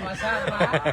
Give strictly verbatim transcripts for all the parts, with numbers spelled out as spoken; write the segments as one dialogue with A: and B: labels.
A: รมชาติมาก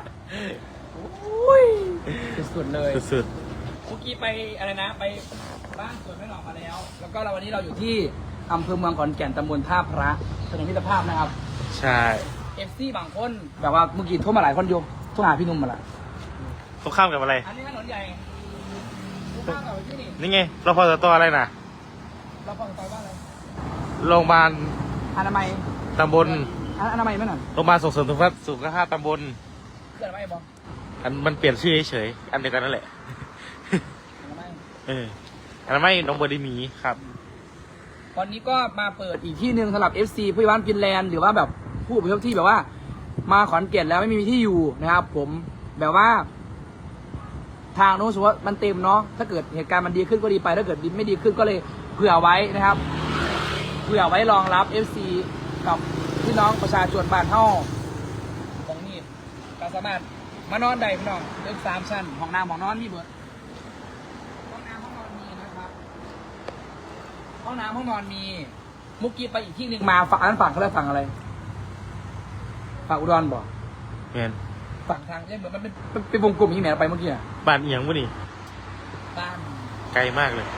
A: สุดๆเลย
B: สุด
A: เมื่อกี้ไปอะไรนะไปบ้านสวนแม่หนองมาแล้ว แล้วก็เราวันนี้เราอยู่ที่อำเภอเมืองขอนแก่นตำบลท่าพระถนนมิตรภาพนะครับ
B: ใช่
A: เอฟซีบางคนแบบว่าเมื่อกี้โทรมาหลายคนโยโทรหาพี่นุ่มมาละ
B: ตรงข้ามกับอะไร
A: อันนี้ถนนใหญ่ตรงข้ามกับที่นี่
B: นี่ไงเราพอจะต่ออะไรนะ
A: เราพอจะต่อว่าอะไร
B: โรงพยาบาล
A: อนามัย
B: ตำบล
A: อนามัยไม่หน่อย
B: โรงพยาบาลส่งเสริมสุขภาพสุขภาพตำบล
A: คืออนามัยบอ
B: อันมันเปลี่ยนชื่อเฉยๆอันเดียวกันนั่นแหละเอออันนั้นไม่น้องเบอร์ดีมีครับ
A: วันนี้ก็มาเปิดอีกที่หนึ่งสำหรับ เอฟ ซี ผู้ใหญ่บ้านฟินแลนด์หรือว่าแบบผู้อพยพที่แบบว่ามาขอนแก่นแล้วไม่มีที่อยู่นะครับผมแบบว่าทางโน้นสมมติว่ามันเต็มเนาะถ้าเกิดเหตุการณ์มันดีขึ้นก็ดีไปถ้าเกิดไม่ดีขึ้นก็เลยเผื่อไว้นะครับเผื่อไว้รองรับ เอฟ ซี กับพี่น้องประชาชนบ้านเฮาตรงนี้ก็สามารถมานอนได้พี่น้องเลือกสามชั้นห้องน้ำห้องนอนมีเบิดห้องน้ำห้องนอนมีนะครับห้องน้ำห้องนอนมีมุกกี้ไปอีกที่หนึ่งมาฝั่งนั้นฝั่งเขาเรียกฝั่งอะไรฝั่งอุดรบ่
B: เห็น
A: ฝั่งทางเนี่ยเหมือนมันเป็นเป็นวงกลมที่แหนไปเมื่อกี้อ่ะ
B: บ้านเอียงวะนี่
A: บ้าน
B: ไกลมากเลย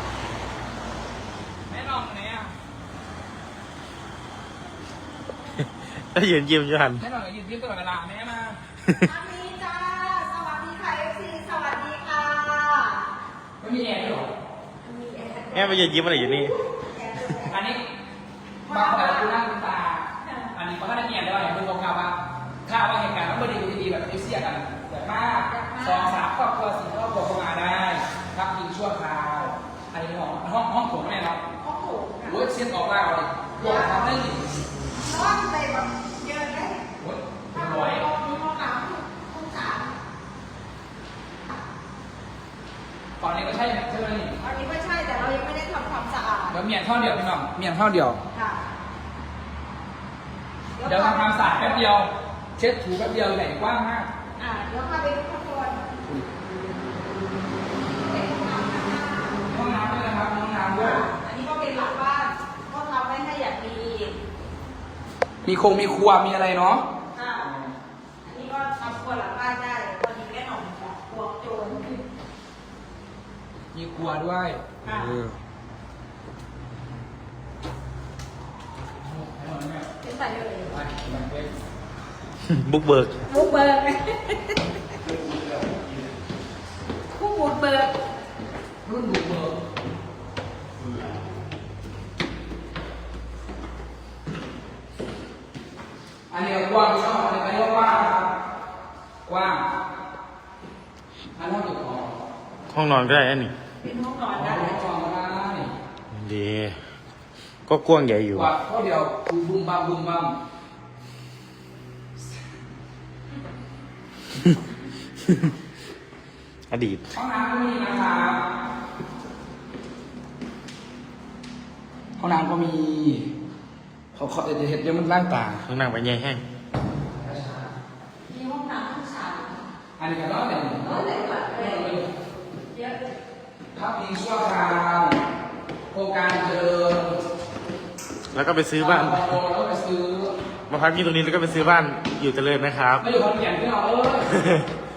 A: แม่ลองไหนอ่ะ
B: ถ้ายืนยิ้มอยู่หัน
A: แม่ลองยืนยิ้มตลอดเวลาแม่มา
C: สวัสดีจ้าสวัสดีค่ะ เอฟ ซี สวัสดีค่ะ
A: ไม่มีแอร์หรอ
B: แม่ไปยืนยิ้มอะไรอยู่นี่
A: อันนี้บางคนดูหน้าดูตาอันนี้เขาก็ได้เงียบได้ว่าอย่างคุณบอกข่าวว่าข่าวว่าเหตุการณ์มันไม่ดีดีแบบเอเชียกันแบบมากสองสามครอบครัวสี่ครอบครัวเข้ามาได้พักกินชั่วคราวอันนี้ห้องห้องห้องโถงแม่เนาะ
C: ห้องโถง
A: โอ้ยเส้นออกล่าเลยปวดทำได้ดี
C: ห้องไปแบบเยอะเลย
A: โอ้ย
C: ห้อง
A: ร้อย
C: มีห้องน้ำห้องสาม
A: ฝั่งนี้ก็ใช่ใช่ไหมนี่
C: อันนี้ไม่ใช่แต่เรายังไม่ได้ทำความสะอาด
A: เดี๋ยวเมียนท่อเดียวพี่น้องเมียนท่อเดียว
C: ค่ะ
A: เดี๋ยวทำความสะอาดแป๊บเดียวเช็ดถูแป๊บเดียวใหญ่กว้างมาก
C: อ่าเดี๋ยวพาไปดูข้างบน
A: ห้องน้ำด้วยนะครับห้องน้ำด้วย
C: อันนี้ก็เป็นหลังบ้านก็ทำไว้ให้อย่างดี
A: มีคงมีครัวมีอะไรเนาะ
C: ค่ะอันนี้ก็ทำครัวหลังบ้านได้วันนี้แม่หน่องแบบครัวโจร
A: มีครัวด้วย
C: ค่ะเป็นใส่เลย
B: บุกเบิก
C: บุกเบิกผู้บุกเบิก
A: รุ่นบุกเบิกอันนี้กว้างชอบอันนี้ก็เรียกว่ากว้างอันนี้ถูกของ
B: ห้องนอนก็ได้อันนี้
C: เป็นห้องนอนได้
A: ห้องนอนได้
B: ดีก็กว้างใหญ่อยู่
A: ว่าข้อเดียวบุ้มบุ้มบัมบุ้มบัม
B: อดีต
A: ห้องน้ำก็มีนะครับห้องน้ำก็มีเขาเขาจะเห็นเดี๋ยวมันร่างต่าง
B: ห้องน้ำไปใหญ่แห้ง
C: มีห้องน้ำห้องสาม
A: อันนี้ก็ร้อยแต่
C: ร้อยแต่ก่อนเลยเยอะ
A: พักพิงชั่วคราวโครงการเจริญ
B: แล้วก็ไปซื้อบ้าน
A: แล้วก็ไปซื้อ
B: มาพักที่ตรงนี้แล้วก็ไปซื้อบ้านอยู่เจริญนะครับ
A: ไม่อยู่ขอนแก่นพี่น้องเออ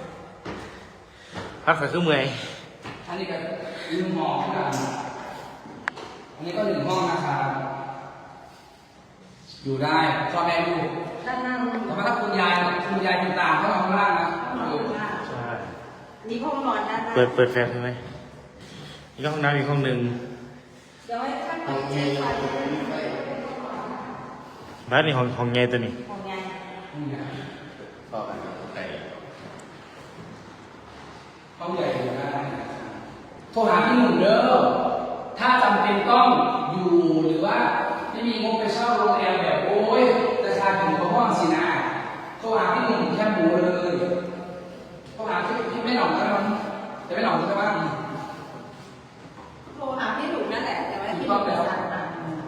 B: พักขาขึ้นเมื่อย
A: อันนี้ก็หนึ่งห้องกันอันนี้ก็หนึ่งห้องนะครับอยู่ได้พ่อแม่ลูก
C: ด้านหน้า
A: แต่ว่าถ้าคุณยายคุณยายคุณตาเขานอนข้างล่างนะ
B: ใช่
C: นี่ห้องนอนด้านหน้า
B: เปิดเปิดแฟลชใช่ไหมนี่ก็ห้องน้ำอีกห้องหนึ่ง
C: เดี๋ยวให้ท่านไปเช็คไฟ
B: บ้านนี่ห้องห้องใหญ่ตัวนี้
C: ห้องใหญ่
A: ห้องใหญ่ต่อไปห้องใหญ่อยู่ได้โทรหาพี่หนุ่มเด้อถ้าจำเป็นต้องอยู่หรือว่าไม่มีงบไปเช่าโรงแรมแบบโอ้ยราคาถึงกว่าห้องสินะโทรหาพี่หนุ่มแค่หมูเลยโทรหาพี่พี่ไม่หน่องก็ได้มั้งจะไม่หน่องก็ได้บ้าง
C: โทรหาพี่หนุ่มนั่นแหละแต่ว่าพี่หนุ่มสั่งมา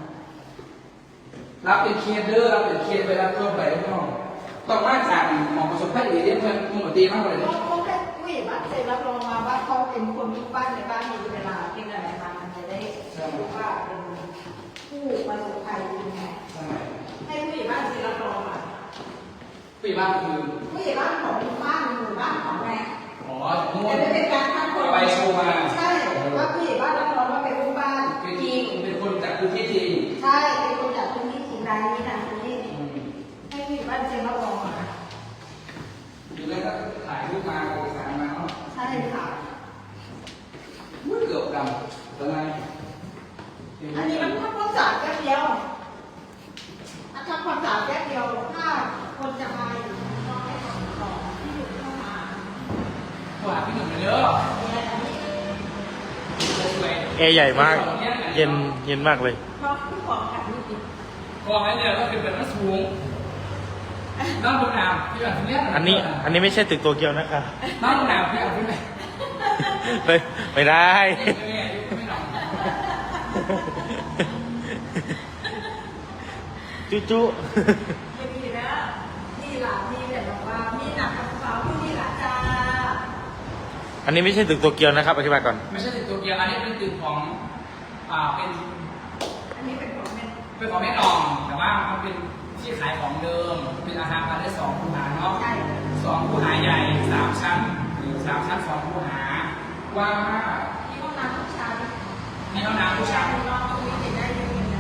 A: รับเป็นเคสเด้อรับเป็นเคสไปรับทั่วไปพี่น้องต้องมาจากหมอประสบภัยดีเรียนเพื่อนมึงหมดดีมากเลย
C: เขาแค่ผู้ใหญ่บ้านเสร็จรับรองมาว่าเขาเป็นคนทุกบ้านในบ้านมีเวลาเป็นอะไรมามันจะได้รู้ว่าเป็นผู้ประสบภัยยังไงให้ผู้ใหญ่บ้านเสร็จรับรองมา
A: ปีบ้านคือ
C: ผู้ใหญ่บ้านของทุกบ้านหมู่บ้านของแม่
A: อ๋อนู่
C: แต่
A: น
C: ไม่เป็นการคัดคน
A: ไปโชว์มา
C: ใช่ว่าผู้ใหญ่บ้านรับรองว่าเป็นลูกบ้าน
A: เป็น
C: จริง
A: เป็นคนจากพื้นที่จริง
C: ใช่เป็นคนจากพื้นที่จริงรายนี้นะตรงนี้ให้ผู้ใหญ่บ้านเซ็นรับรองมา
A: ดูแล้วก็ถ่ายรูปมาเอกสารมาเนาะ
C: ใช่ค่ะ
A: อุ้ยเกือบดำเป็นไง
C: อันนี้มันทำความสะอาดแป๊บเดียวอันทำความสะอาดแป๊บเดียวถ้าคนจะมาอยู่ต้องให้ของต่อที่อยู่เข้ามา
A: โทรหาพี่หนุ่มเลยเด้อ
C: เนี่ยอันนี้
A: สวย
B: แอร์ใหญ่มาก เย็นเย็นมากเลย
C: เพราะผู้ของกับนี่ติด
A: กองไอ้เนี่ยก็เป็นแบบนั้นสูงน้องดูน้ำพี่แบบนี้
B: อันนี้อันนี้ไม่ใช่ตึกโตเกียวนะคะ
A: น้องดูน้ำพี่แบบนี้
B: ไม่ไม่ได้
A: ไม่หนอง
B: จุจุ
C: ไม่มีนะนี่หลานนี่แต่บอกว่ามีหนักกับสาวผู้นี่หลานจ้า
B: อันนี้ไม่ใช่ตึกโตเกียวนะครับอธิบายก่อน
A: ไม่ใช่ตึกตัวเกียวอันนี้เป็นตึกของอ่าเป็น
C: อันนี้เป็นของแม่
A: เป็นของแม่นอง แต่ว่ามันเป็นที่ขายของเดิม เป็นอาคารพาณิชย์สองคูหาเนาะ
C: ใช่
A: สองคูหาใหญ่สามชั้นหรือสามชั้นสองคูหากว้างมาก
C: มีห้องน้ำทุกชั้น
A: มีห้องน้ำทุกชั้น
C: นอนตรงนี้เห็นได้ยังไงนะ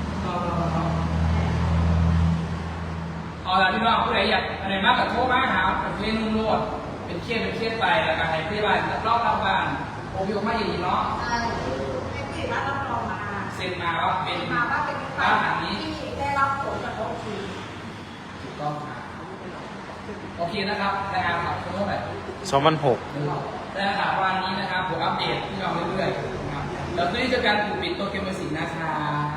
A: เอาละพี่น้องผู้ใดอยากอะไรมากกับโทรมาหาเป็นเคสนุ่งโลดเป็นเคสเป็นเคสไปแล้วก็ให้พี่บ้านรอบรับบ้านโอพิโอมาอย่างนี้เนาะ
C: ใช่ให้ผู้ใหญ่บ้านรับรองมา
A: เซ็นมาว่าเป็น
C: มาว่าเป็น
A: บ้านหลังนี้
C: ที่ได้รับผลกระทบคือ
A: ถูกต้องครับโอเคนะครับนะครับขอบคุณมาก
B: สองพันหก
A: ได้ครับวันนี้นะครับผมอัปเดตพี่น้องเรื่อยๆนะครับแล้วก็นี่จะการปลูกปิดตัวเกมเมอร์สิงนะครับ